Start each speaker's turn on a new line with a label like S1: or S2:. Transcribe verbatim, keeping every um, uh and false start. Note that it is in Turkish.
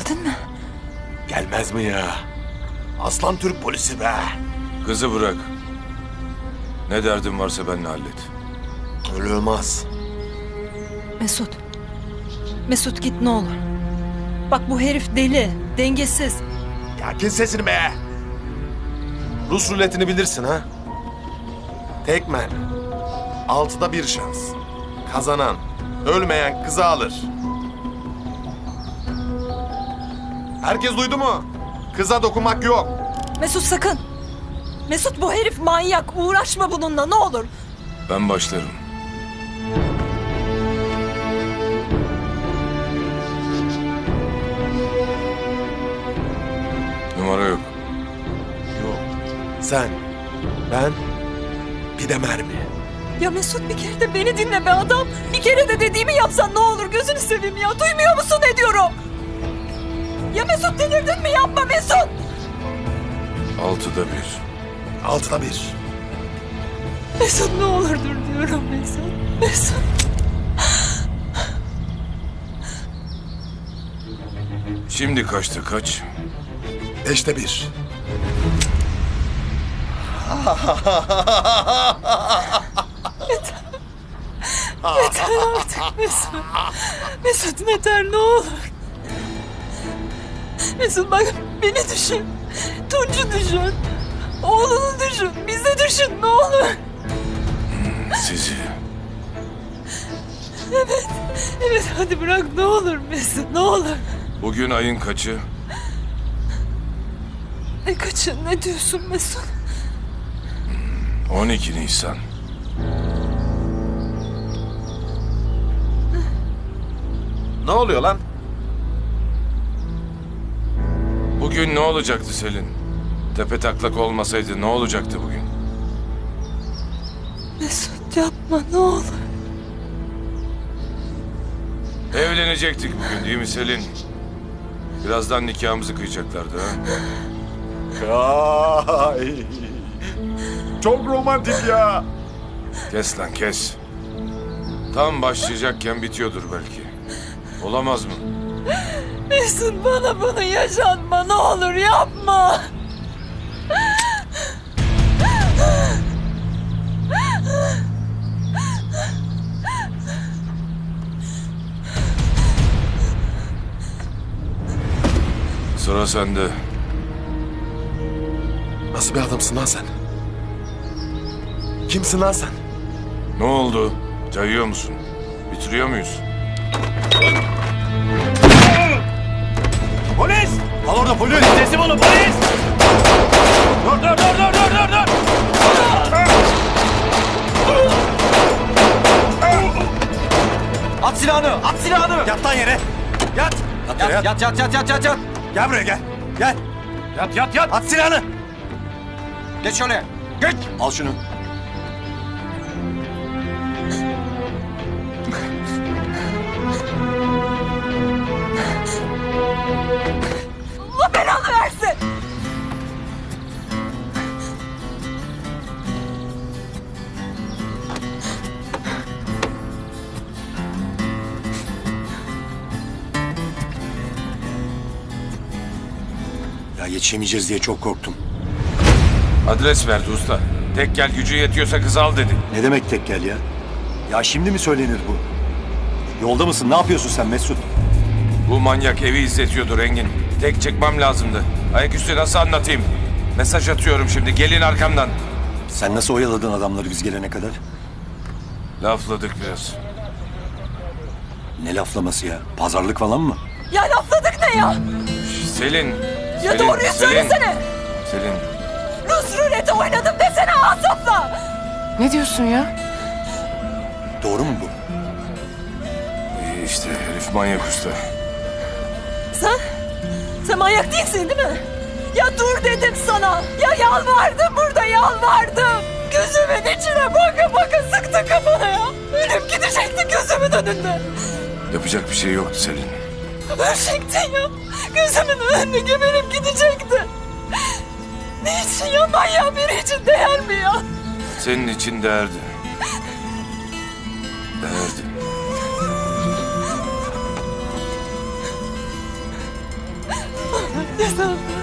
S1: Geldin mi?
S2: Gelmez mi ya? Aslan Türk polisi be.
S3: Kızı bırak. Ne derdin varsa benimle hallet.
S2: Öyle olmaz.
S1: Mesut. Mesut git ne olur. Bak bu herif deli, dengesiz.
S2: Ya kes sesini be. Rus ruletini bilirsin ha? Tek mermi. Altıda bir şans. Kazanan, ölmeyen kızı alır. Herkes duydu mu? Kıza dokunmak yok.
S1: Mesut sakın. Mesut bu herif manyak. Uğraşma bununla ne olur.
S3: Ben başlarım. Numara yok.
S2: Yok. Sen, ben, bir de mermi.
S1: Ya Mesut bir kere de beni dinle be adam. Bir kere de dediğimi yapsan ne olur gözünü seveyim ya. Duymuyor musun ne diyorum? Ya Mesut delirdin mi? Yapma Mesut.
S3: Altıda bir.
S2: Altıda bir.
S1: Mesut ne olur dur diyorum Mesut. Mesut.
S3: Şimdi kaçta kaç?
S2: Beşte bir.
S1: Yeter artık Mesut. Mesut yeter ne olur. Mesut bak beni düşün. Tunç'u düşün. Oğlunu düşün. Bizi düşün ne olur.
S3: Sizi.
S1: Evet. Evet hadi bırak ne olur Mesut ne olur.
S3: Bugün ayın kaçı?
S1: Ne kaçın ne diyorsun Mesut?
S3: on iki Nisan.
S2: Ne oluyor lan?
S3: Bugün ne olacaktı Selin? Tepe taklak olmasaydı ne olacaktı bugün?
S1: Mesut yapma ne olur.
S3: Evlenecektik bugün değil mi Selin? Birazdan nikahımızı kıyacaklardı ha?
S2: Ay. Çok romantik ya.
S3: Kes lan kes. Tam başlayacakken bitiyordur belki. Olamaz mı?
S1: Mesut bana bunu yaşatma ne olur yapma.
S3: Sıra sende.
S2: Nasıl bir adamsın lan sen? Kimsin lan sen?
S3: Ne oldu? Cayıyor musun? Bitiriyor muyuz?
S2: Polis! Al orada polis!
S4: Teslim olun polis! Dur dur dur dur dur dur dur! At silahını! At silahını!
S2: Yat lan yere! Yat! Yat,
S4: Yat yat yat yat yat yat yat!
S2: Gel buraya gel! Gel!
S4: Yat yat yat!
S2: At silahını!
S4: Geç şöyle! Geç!
S2: Al şunu.
S1: Allah belanı versin.
S5: Ya yetişemeyeceğiz diye çok korktum.
S3: Adres verdi usta. Tek gel gücü yetiyorsa kızı al dedi.
S5: Ne demek tek gel ya? Ya şimdi mi söylenir bu? Yolda mısın? Ne yapıyorsun sen Mesut?
S3: Bu manyak evi izletiyordu Engin. Tek çıkmam lazımdı. Ayaküstü nasıl anlatayım? Mesaj atıyorum şimdi. Gelin arkamdan.
S5: Sen nasıl oyaladın adamları biz gelene kadar?
S3: Lafladık biraz.
S5: Ne laflaması ya? Pazarlık falan mı?
S1: Ya lafladık ne ya?
S3: Şş, Selin.
S1: Ya
S3: Selin,
S1: doğruyu
S3: Selin.
S1: söylesene.
S3: Selin.
S1: Rus ruleti oynadım desene Asaf'la.
S6: Ne diyorsun ya?
S5: Doğru mu bu?
S3: İyi işte herif manyak usta.
S1: Sen? Sen manyak değilsin değil mi? Ya dur dedim sana. Ya yalvardım burada yalvardım. Gözümün içine baka baka sıktı kafana ya. Ölüp gidecekti gözümün önünde.
S3: Yapacak bir şey yoktu Selin.
S1: Ölecektin ya. Gözümün önünde geberip gidecekti. Niçin ya manyak biri için değer mi ya?
S3: Senin için değerdi. Değerdi.
S1: Mesut.